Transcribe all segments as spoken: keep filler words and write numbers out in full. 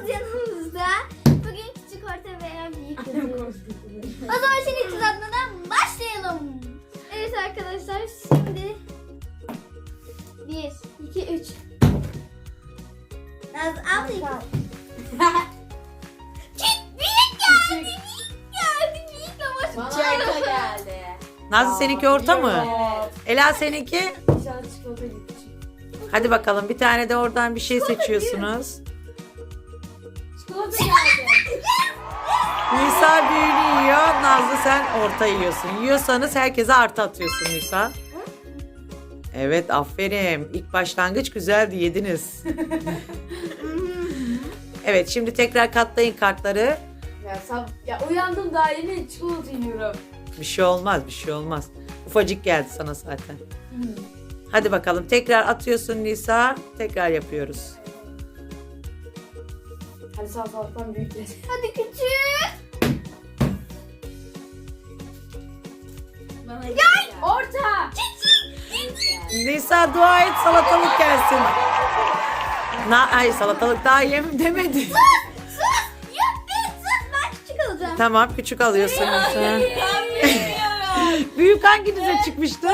ablamız yanımızda. Bugün küçük, orta veya büyük yapıyoruz. O zaman şimdi tuzatmadan başlayalım. Evet arkadaşlar, şimdi bir, iki, üç. Naz al ilk. Büyük geldi, büyük geldi, büyük ama Çayka geldi. Nazlı seninki orta mı? Evet. Ela seninki? İnşallah çikolata gitti. Hadi bakalım bir tane de oradan bir şey seçiyorsunuz. Çikolata geldi. Nisa büyüğünü yiyor. Nazlı sen orta yiyorsun. Yiyorsanız herkese artı atıyorsun Nisa. Evet, aferin. İlk başlangıç güzeldi, yediniz. Evet, şimdi tekrar katlayın kartları. Ya, sab ya uyandım daha yeni çikolata yiyorum. Bir şey olmaz, bir şey olmaz. Ufacık geldi sana zaten. Hadi bakalım tekrar atıyorsun Nisa. Tekrar yapıyoruz. Hadi sağ salaktan büyük geldi. hadi küçük. Bana Gel. Orta. Nisa dua et salatalık gelsin. Na ay salatalık daha yem demedi. Sus! Yok be, sus! Ben küçük alacağım. Tamam, küçük alıyorsun Nisa. Büyük hanginize çıkmıştı?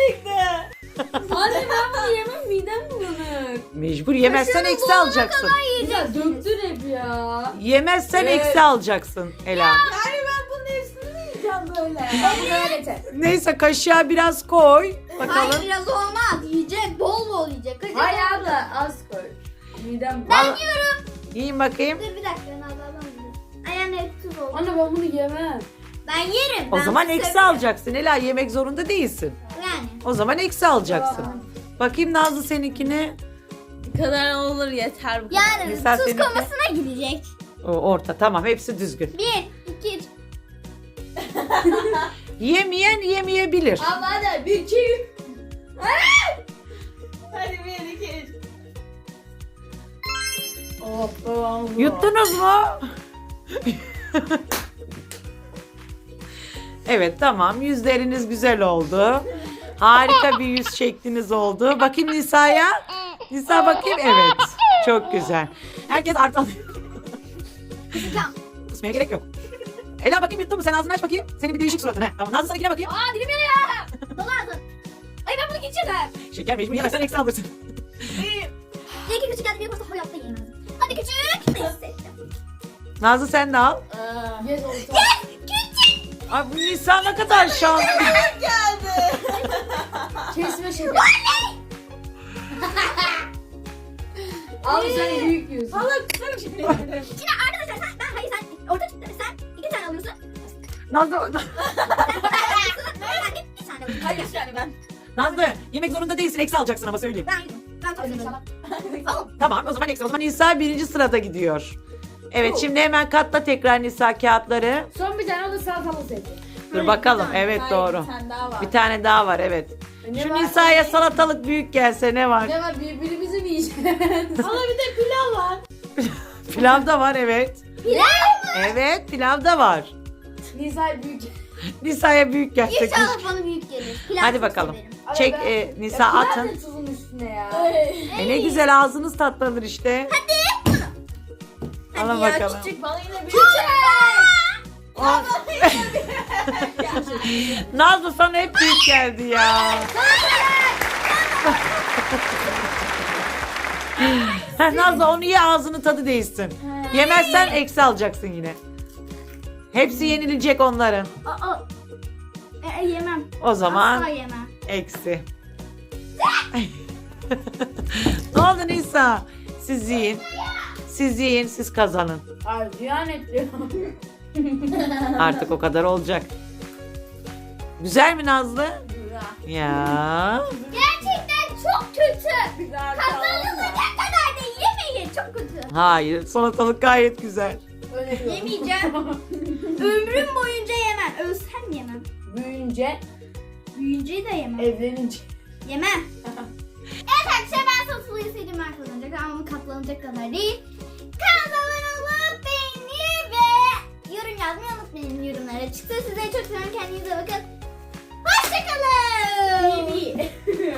Anne ben bunu yemem, midem bulanık. Mecbur yemezsen eksi alacaksın. Ya döktün hep ya. Yemezsen Evet. eksi alacaksın Ela. Hayır ben bunun hepsini mi yiyeceğim böyle? Ben bunu öyle yeter. Neyse kaşığa biraz koy. Hayır, Bakalım. biraz olmaz. Yiyecek, bol bol yiyecek. Hadi. Hayır abla az koy. Midem Ben Vallahi- yiyorum. Yiyin bakayım. Dur bir dakika, ben alalım. Ayağına hep tuz oldu. Anne ben bunu yemem. Ben yerim. O ben zaman bunu eksi severim. alacaksın. Ela yemek zorunda değilsin. Yani. O zaman eksi alacaksın. Bakayım Nazlı seninkine. Bu kadar olur yeter bu kadar. Yani Mesela tuz seninki- komasına gidecek. O, orta tamam, hepsi düzgün. Bir, iki, üç. Yemeyen yemeyebilir. Abla hadi bir iki üç. Hadi bir iki üç. Hoppa. Yuttunuz mu? Evet tamam, yüzleriniz güzel oldu. Harika bir yüz şekliniz oldu. Bakayım Nisa'ya. Nisa bakayım, evet. Çok güzel. Herkes artı alıyor. Tamam. Kusmaya gerek yok. Ela bakayım yuttun mu? Sen ağzını aç bakayım. Senin bir değişik suratın. He. Tamam, Nazlı seninkine bakayım. Aa, dilim yanıyor. Dolu ağzın. Ay, ben bunu geçirdim. Şeker mecbur yemezsen eksi alırsın. Bir iki küçük geldi, bir kosta hayatta yiyemezdim. Hadi küçük. Neyse. Nazlı sen de al. Yes oldu. Küçük. Ay bu Nisa ne kadar şanslı. Kesme şeker. Abi sen büyük yiyorsun. Salak sen şey. Şimdi arkadaşlar sen, ben hayır sen orta çıktı. Sen iki tane alıyorsun. Nazlı, Sen bir tane alıyorsun. Hayır yani ben. Nazlı yemek zorunda değilsin, eksi alacaksın ama söyleyeyim. Ben yedim. Ben çok seviyorum. Al. Tamam, o zaman eksi. O zaman Nisa birinci sırada gidiyor. Evet, şimdi hemen katla tekrar Nisa kağıtları. Son bir tane o da salatalı seçti. Dur bakalım. Evet doğru. Bir tane daha var. Bir tane daha var, evet. Ne Şu var? Nisa'ya salatalık büyük gelse ne var? Ne var birbirimizi mi yiyeceğiz? Hala bir de pilav var. Pilav da var, evet. Pilav mı? Evet, pilav da var. Nisa büyük. Nisa'ya büyük gelse. İnşallah bana büyük gelir. Pilav Hadi çok bakalım. severim. Çek ben- e, Nisa Ya pilav atın. da tuzun üstüne ya. E, ne güzel ağzınız tatlanır işte. Alın Hadi ya, bakalım. küçük. Bana yine büyük. Aa. Nazlı sana hep büyük geldi ya. Heh, Nazlı onu ye, ağzının tadı değişsin. Yemezsen eksi alacaksın yine. Hepsi yenilecek onların. Aa. E, e, yemem. O zaman Asla yemem. eksi. Ne oldu Nisa? Siz yiyin. Siz yiyin, siz kazanın. Ay ziyan etti. Artık o kadar olacak. Güzel mi Nazlı? Ya. Gerçekten çok kötü. Kazanılacak kadar da yemeyin. Çok kötü. Hayır, salatalık gayet güzel. Yemeyeceğim. Ömrüm boyunca yemem. Ölsem yemem. Büyüyünce Büyüyünce de yemem. evlenince. Yemem. Evet arkadaşlar, ben sosluyu sevdim, ben kazanacak ama katlanacak kadar değil. Kanala abone olup beğeni ve yorum yazmayı unutmayın yorumlara. Çıktı, size çok seviyorum, kendinize bakın. Hoşçakalın. İyi iyi.